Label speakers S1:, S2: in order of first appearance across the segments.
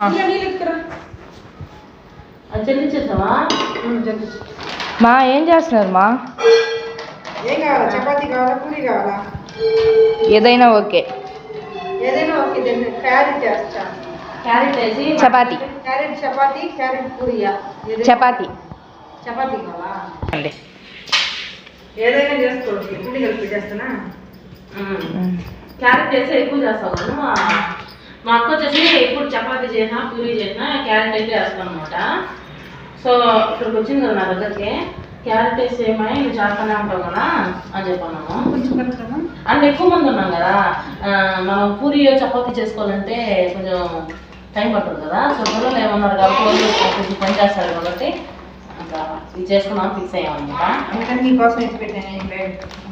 S1: మా ఏం చేస్తున్నారు మా?
S2: ఏం కావాలా? చపాతీ కావాలా, పూరి కావాలా?
S1: ఏదైనా ఓకే.
S2: క్యారెట్ చేస్తా.
S1: క్యారెట్ వేసి చపాతీ.
S2: క్యారెట్ చపాతీ, క్యారెట్ పూరియా?
S1: చపాతీ.
S2: చపాతీ కావాలా?
S1: అండి
S2: ఏదైనా చేసుకోవచ్చు. పూరి కలిపి చేస్తానా?
S3: క్యారెట్ చేస్తే ఎక్కువ చేస్తాను. మా అక్క వచ్చేసి ఇప్పుడు చపాతీ చేసినా పూరి చేసినా క్యారెట్ అయితే వేస్తాను అనమాట. సో ఇక్కడికి వచ్చింది కదా నా దగ్గరికి, క్యారెట్ వేసి ఏమై నువ్వు చేస్తానే ఉంటావు కదా అని చెప్పన్నాను. అంటే ఎక్కువ మంది ఉన్నాం కదా, మనం పూరి చపాతీ చేసుకోవాలంటే కొంచెం టైం పడుతుంది కదా. సో పిల్లలు ఏమన్నారు కాబట్టి కొంచెం పని చేస్తారు కాబట్టి ఇంకా ఇది చేసుకున్నాం ఫిక్స్ అయ్యామన్నమాట.
S2: అందుకని నీకోసం ఎత్తి పెట్టాను.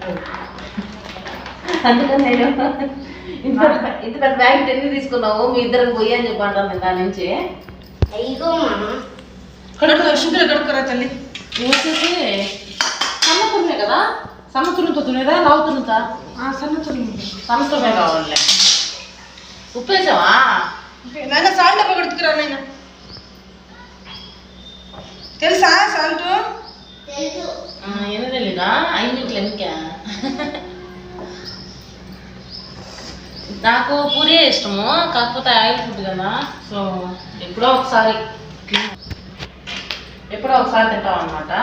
S3: అందుకని నేను ఇంత పెద్ద బ్యాగ్ ఎన్ని తీసుకున్నావు మీ ఇద్దరికి పోయి అని చెప్పి అంటాను నేను దాని నుంచి.
S2: షుగర్ కడుక్కురా తల్లి.
S3: వచ్చేసి సన్నతురుమే కదా, సన్నతురుతో తునేదా లావు తురుతా? సన్నతురుమే కావాలి. ఉప్పు వేసావా?
S2: నాన్న సాల్ట్ పడుతుకురా నాయన. తెలుసా సాల్ట్?
S3: ఏమీ తెలీదా? 5 మినిట్లు ఎందుకే? నాకు పూరి ఇష్టము, కాకపోతే ఆయిల్ ఫుడ్ కదా. సో ఎప్పుడో ఒకసారి తింటాం అనమాట.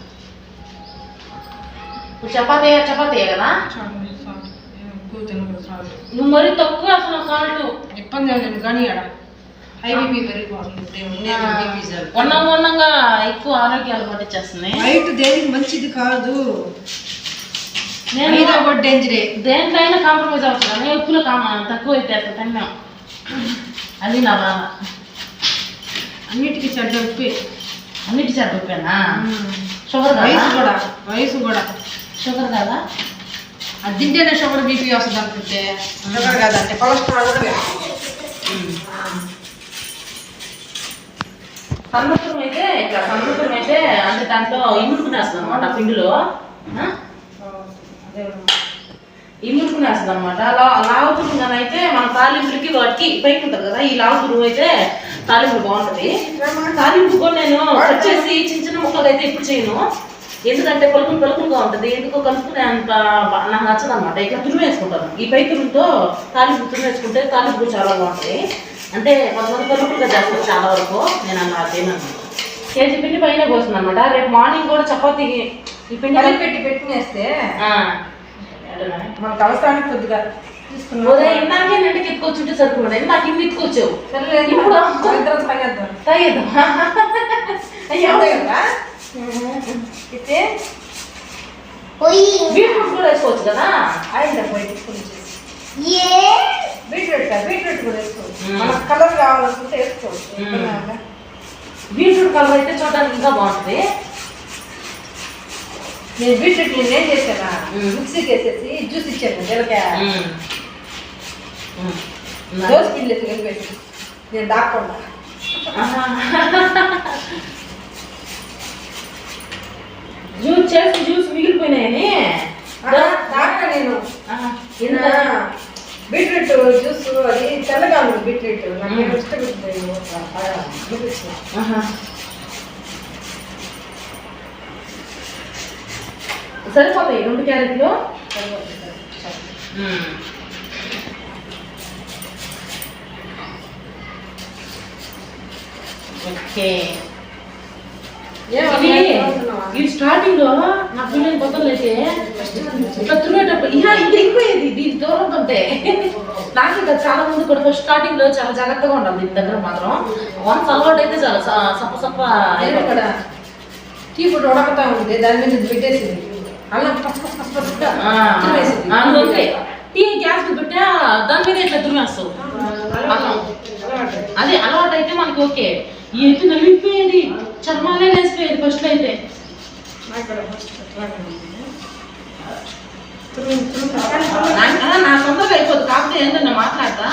S3: చపాతీ కదా. నువ్వు మరీ తక్కువ అసలు సాల్ట్
S2: ఇబ్బంది లేదు కానీ హైబీపీ
S3: ఉన్నంగా ఎక్కువ ఆరోగ్యాలు పట్టించేస్తున్నాయి.
S2: వైట్ దేనికి మంచిది కాదు. నేను డేంజరే.
S3: దేంట్లైనా కాంప్రమైజ్ అవుతుంది కానీ ఉప్పులో తక్కువ అయితే అసలు తిన్నాం. అది నా బాధ.
S2: అన్నిటికీ చెడ్డ ఉప్పే.
S3: అన్నిటి చెడ్డ ఉప్పేనా? షుగర్
S2: వయసు కూడా
S3: షుగర్ కదా.
S2: అది తింటేనే షుగర్ బీపీ వస్తుంది అనుకుంటే షుగర్ కాదంటే కొలెస్ట్రాల్ కూడా.
S3: సన్నపురం అయితే అంటే దాంట్లో ఇముడుకునేస్తుంది అనమాట పిండిలో. ఇముడుకునేస్తుంది అనమాట. లావుతురుగానే అయితే మన తాలింపులకి వాటికి పైకి ఉంటుంది కదా, ఈ లావుతురు అయితే తాలింపు బాగుంటుంది. తాలింపు కూడా నేను కట్ చేసి చిన్న ముక్కలు అయితే ఇప్పుడు చేయను, ఎందుకంటే పలుకులుగా ఉంటుంది. ఎందుకో కలుపుకునే అంత నాకు నచ్చదు అనమాట. ఇట్లా తురుము వేసుకుంటాను. ఈ పై తురుముతో తాలింపు తురుము వేసుకుంటే తాలింపు చాలా బాగుంటుంది. అంటే కొంతమంది పలుకులుగా చేస్తారు చాలా వరకు, నేను అలా చేయను. కేజీ పిండి పైన పోస్తుంది అనమాట. రేపు మార్నింగ్ కూడా చపాతీకి ఈ పిండి
S2: పెట్టుకునేస్తే మనకు అవసరానికి కొద్దిగా
S3: ఉదయం ఇందాకే ఇంటికి ఎత్తుకొచ్చుంటే సరిపోయింది. నాకు ఇన్ని ఎత్తుకొచ్చావు. ఇప్పుడు బీట్రూట్ కూడా వేసుకోవచ్చు కదా.
S2: బీట్రూట్ కూడా వేసుకోవచ్చు. మనకు కలర్ కావాలనుకుంటే వేసుకోవచ్చు.
S3: బీట్రూట్ కలర్ అయితే చూడడానికి ఇంకా బాగుంటుంది.
S2: నేను బీట్రూట్ ఏం చేశానా, మిక్సీకి వేసేసి జ్యూస్ ఇచ్చాను. జీలకాయ దోశ పిండి కలిపేసి నేను దాక్కుండా
S3: జ్యూస్ మిగిలిపోయినాయని
S2: దాకా నేను బీట్రూట్ జ్యూస్ అది తెల్లగా ఉంది. బీట్రూట్ నాకు ఇష్టపడుతుంది.
S3: సరిపోతాయి 2 క్యారెట్లు. ఓకే. ఈ స్టార్టింగ్ లో నా పిల్లలు కొత్తలు అయితే ఇట్లా తురిగేటప్పుడు ఇది ఎక్కువేది దీని దూరం ఉంటే నాకు ఇంకా చాలా మంది కూడా ఫస్ట్ స్టార్టింగ్ లో చాలా జాగ్రత్తగా ఉండాలి దీని దగ్గర మాత్రం. వన్స్ అలవాటు అయితే చాలా సప్ప
S2: ఇక్కడ టీ ఫుడ్ ఉడకతా ఉంది, దాని మీద పెట్టేసింది.
S3: టీ గ్యాస్ పెట్టా దాని మీద ఇట్లా తురిమేస్తావు. అదే అలవాటు అయితే మనకి ఓకే. ఎత్తు నలిగిపోయేది, చర్మాలే లేసిపోయేది ఫస్ట్ అయితే. నా సొంతగా అయిపోద్ది. కాకపోతే ఏంటన్నా మాట్లాడతా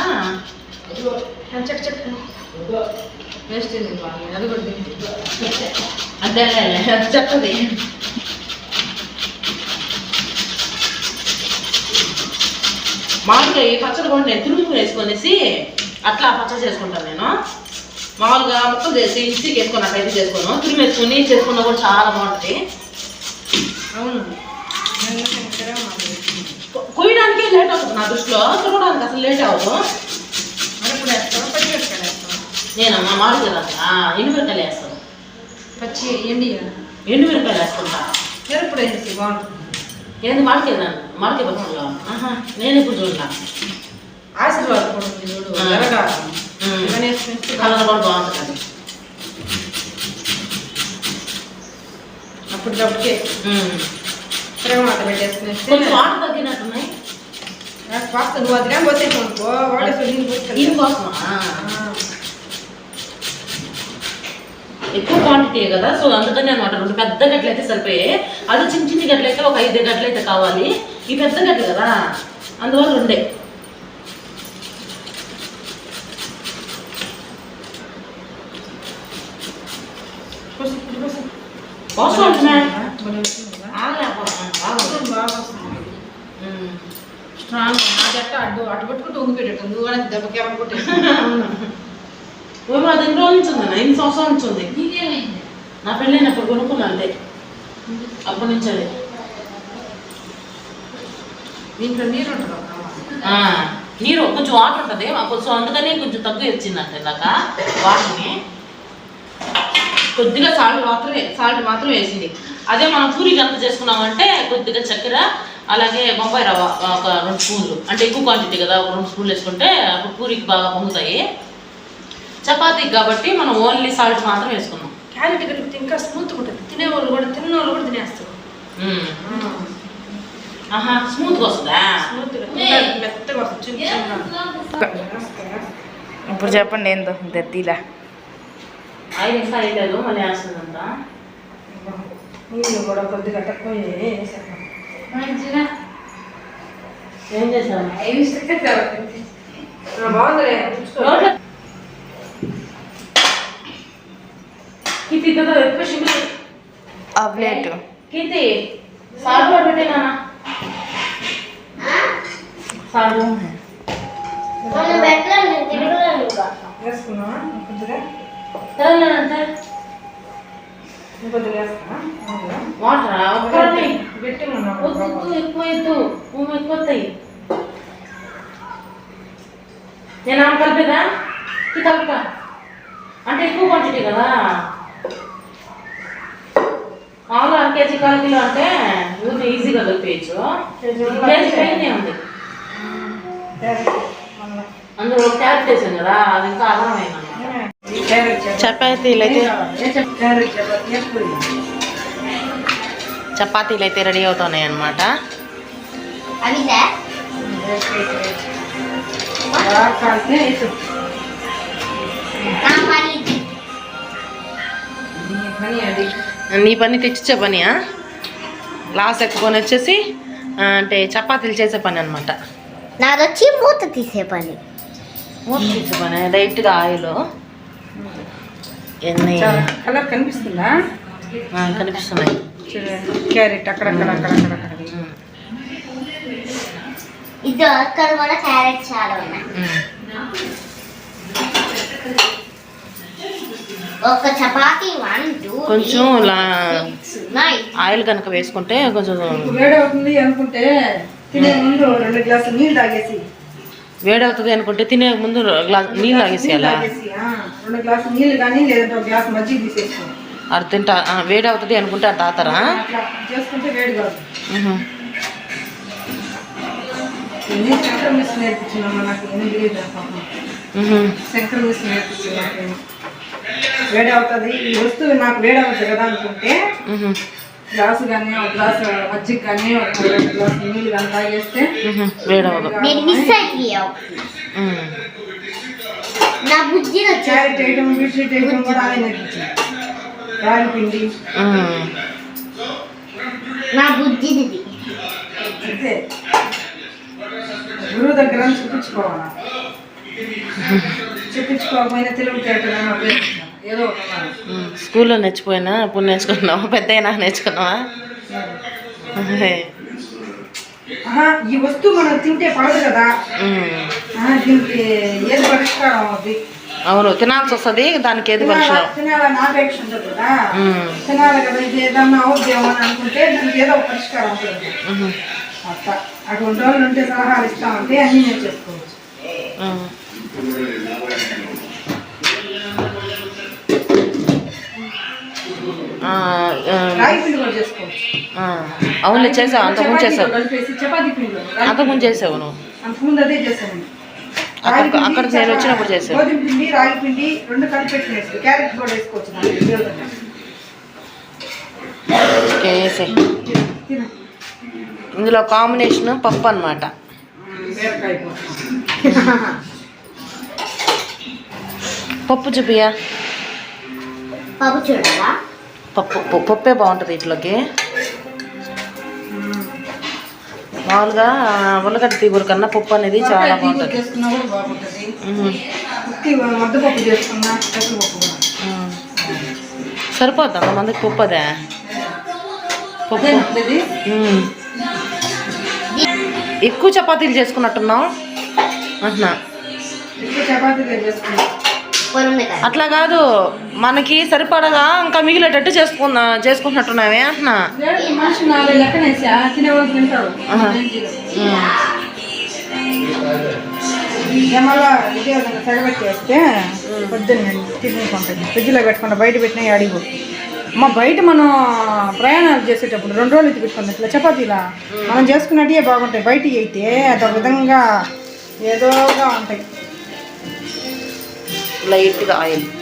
S2: వేస్ట్ అది కూడా
S3: అదే అది చెప్తుంది. మామూలుగా ఈ పచ్చడి కూడా నేను తురుము వేసుకొనేసి అట్లా పచ్చడి చేసుకుంటాను నేను. మామూలుగా మొత్తం చేసి మిక్సీకి వేసుకొని అట్లయితే చేసుకోను, తురిమి వేసుకొని చేసుకున్నా కూడా చాలా బాగుంటుంది.
S2: అవును,
S3: కొయ్యడానికి లేట్ అవుతుంది నా దృష్టిలో, తురగడానికి అసలు లేట్ అవ్వదు.
S2: అప్పుడు వేస్తాను, పచ్చి మిరపకాయలు వేస్తాను.
S3: నేనమ్మా మామిడికాయలు ఎండుమిరకాయలు వేస్తాను,
S2: పచ్చి
S3: ఎండుమిరకాయలు వేసుకుంటా.
S2: మిరప్పుడు వేసి బాగుంటుంది.
S3: ఏంది మామిడికాయ పచ్చడిలో? నేను ఇప్పుడు చూడలా.
S2: ఆశీర్వాదం కూడా ఉంది చూడు, ఎర్రగా
S3: కలర్ కూడా బాగుంటుంది అది.
S2: అప్పటికప్పుడే తిరగమాట పెట్టేసుకుని
S3: కొంచెం వాటర్ తగ్గినట్టున్నాయి.
S2: పాస్తా నువ్వు అది కానీ పోసేసావు అనుకో,
S3: దీనికోసమా? ఎక్కువ క్వాంటిటీ కదా, సో అందుకని అనమాట. 2 పెద్ద గట్లు అయితే సరిపోయాయి. అది చిన్న చిన్న గట్లు అయితే ఒక 5 గట్లు అయితే కావాలి. ఈ పెద్ద గట్లు కదా, అందువల్ల 2.
S2: స్ట్రాంగ్ నా జట్ట అటు పట్టుకుంటూ ఉంగి పెట్టేట్టు నువ్వు కూడా దెబ్బకి ఎవరు కొట్టేసి
S3: అది 2 రోజుల నుంచి ఉంది, 8 సంవత్సరాల నుంచి ఉంది. నా పెళ్ళైనప్పుడు కొనుక్కున్నా అంతే, అప్పటి నుంచి అది.
S2: దీంట్లో నీరు ఉంటుంది,
S3: నీరు కొంచెం వాటర్ ఉంటుంది కొంచెం, అందుకని కొంచెం తక్కువ వచ్చిందంట ఇందాక వాటర్ని. కొద్దిగా సాల్ట్ మాత్రం వేసింది. అదే మనం పూరికి అంత చేసుకున్నామంటే కొద్దిగా చక్కెర, అలాగే బొంబాయి రవ్వ ఒక 2 స్పూన్లు, అంటే ఎక్కువ క్వాంటిటీ కదా, ఒక 2 స్పూన్లు వేసుకుంటే అప్పుడు పూరికి బాగా పొంగుతాయి. చపాతీకి కాబట్టి మనం ఓన్లీ సాల్ట్ మాత్రం వేసుకున్నాం.
S2: క్యారెట్ కలిపితే ఇంకా స్మూత్గా ఉంటుంది, తిన్నవాళ్ళు కూడా తినేస్తారు.
S3: స్మూత్గా వస్తుందా?
S2: మెత్తగా వస్తుంది.
S1: ఇప్పుడు చెప్పండి ఏందో దద్దీలా.
S3: ఆయిల్ ఇంకా అయ్యలేదు, మళ్ళీ వేస్తుందంట.
S2: నీళ్ళు కూడా కొద్దిగా తక్కువ వేసాను.
S3: ఏం చేశాను?
S2: బాగుందిలే.
S1: ఆ ప్లేట్
S3: కీర్తి సాల్ట్ కూడా పెట్టేనా? సాల్ట్
S2: వేసుకున్నావా కొద్దిగా?
S3: తెలంగాణ
S2: కొద్దిగా వేసుకున్నా
S3: వాటర్
S2: పెట్టి
S3: ఎక్కువ ఎక్కువతాయి. నేను ఆమె కలిపేదా? కలుపుతా అంటే ఎక్కువ క్వాంటిటీ కదా. మామూలు 1 కేజీ 1/4 కిలో అంటే ఊరిని ఈజీగా కలిపేయచ్చు. కేజీ పైనే ఉంది, అందులో క్యారెట్ వేసాం కదా, అది ఇంకా అర్థమైంది. చపాతీలు అయితే రెడీ అవుతున్నాయి అన్నమాట. నీ పని తెచ్చిచ్చే పనియా? గ్లాస్ ఎక్కుకొని వచ్చేసి అంటే చపాతీలు చేసే పని అనమాట.
S4: నాది వచ్చి మూత తీసే పని.
S3: మూత తీసే పని డైరెక్ట్గా ఆయిల్ ఎన్ని
S2: కలర్ కనిపిస్తుందా?
S3: కనిపిస్తున్నాయి.
S2: క్యారెట్ అక్కడక్కడ
S4: ఇది అక్కడ కూడా క్యారెట్ చాలా ఉన్నాయి. ఒక చపాతీ 1 2
S3: కొంచెం ఆయిల్ కనుక వేసుకుంటే కొంచెం
S2: వేడవుతుంది అనుకుంటే తినే ముందు 2 గ్లాసులు నీళ్ళు తాగేసి,
S3: వేడవుతుంది అనుకుంటే తినే ముందు గ్లాస్ నీళ్ళు తాగేసేయాలా?
S2: 2 గ్లాసులు నీళ్ళు కానీ లేదంటే 1 గ్లాస్ మజ్జిగ తీసేసుకోండి.
S3: అర్థంట వేడవుతుంది అనుకుంటే అది తాతారా?
S2: చేసుకుంటే వేడి కాదు. శంకర మిస్ నేర్పించినమ్మా నాకు, ఏం తెలియదు. శంకర మిస్ నేర్పించింది. వేడి అవుతుంది ఈ వస్తువు, నాకు వేడి అవుతుంది కదా అనుకుంటే గ్లాసు కానీ 1 గ్లాసు మజ్జిగ కానీ 2 గ్లాసు నీళ్ళు కానీ తాగేస్తే
S3: వేడవదు.
S4: నా బుజ్జి
S2: క్యారెట్ వేయడం, బీట్రూట్ వేయడం కూడా అదే నేర్పించింది. రాగి పిండి
S4: నా బుజ్జిది
S2: అంతే. గురువు దగ్గర చూపించుకోవాలా, చూపించుకోకపోయినా తెలివితేటగా ఏదో
S3: స్కూల్లో నేర్చిపోయినా ఇప్పుడు నేర్చుకున్నావా? పెద్ద అయినా నేర్చుకున్నావా?
S2: ఈ వస్తువు మనం తింటే పడదు కదా, దీనికి ఏది పరిష్కారం అవుతుంది?
S3: అవును తినాల్సి వస్తుంది, దానికి ఏది పరిచయం.
S2: తినాలని ఆపేక్ష ఉంటుంది కదా, తినాలి కదా, ఇది ఏదన్నా అవుద్దేమో అని అనుకుంటే దానికి ఏదో ఒక పరిష్కారం ఉంటుంది. అట్లా అటువంటి వాళ్ళు ఉంటే సలహాలు ఇస్తామంటే అన్నీ నేను చెప్పుకోవచ్చు. రాగి పిండి కూడా చేసుకోవచ్చు.
S3: అవును చేసావు, అంతకుముందు చేసావు,
S2: కలిపేసి చపాతీ పిండిలో
S3: అంతకుముందు చేసావు నువ్వు.
S2: అంతకుముందు అదే చేశాను.
S3: అక్కడికి నేను వచ్చినప్పుడు చేసావు.
S2: గోధుమ పిండి రాగి పిండి రెండు కలిపి వేసుకోవచ్చు. క్యారెట్ కూడా వేసుకోవచ్చు.
S3: ఇందులో కాంబినేషన్ పప్పు అన్నమాట. పప్పు చూపియా.
S4: పప్పు చూడరా?
S3: పప్పే బాగుంటుంది ఇట్లోకి. మామూలుగా ఉల్లగడ్డ తీగూర కన్నా పప్పు అనేది చాలా బాగుంటుంది. సరిపోద్ది అంతమందికి పప్పు అదే. పప్పు ఎక్కువ చపాతీలు చేసుకున్నట్టున్నావు అంటున్నా. అట్లా కాదు, మనకి సరిపడగా ఇంకా మిగిలేటట్టు చేసుకుంటున్నావే అంటున్నా.
S2: మళ్ళా ఇదే విధంగా సగబెట్టేస్తే పొద్దున్న తినేసుకుంటుంది. ఫ్రిడ్జ్లో పెట్టుకుంటా, బయట పెట్టినా అడిగి అమ్మ బయట మనం ప్రయాణాలు చేసేటప్పుడు 2 రోజులు ఇది పెట్టుకుంటాం. ఇట్లా చపాతీలా మనం చేసుకున్నట్టే బాగుంటాయి. బయట అయితే అదొక విధంగా ఏదోగా ఉంటాయి.
S3: లైట్గా ఆయిల్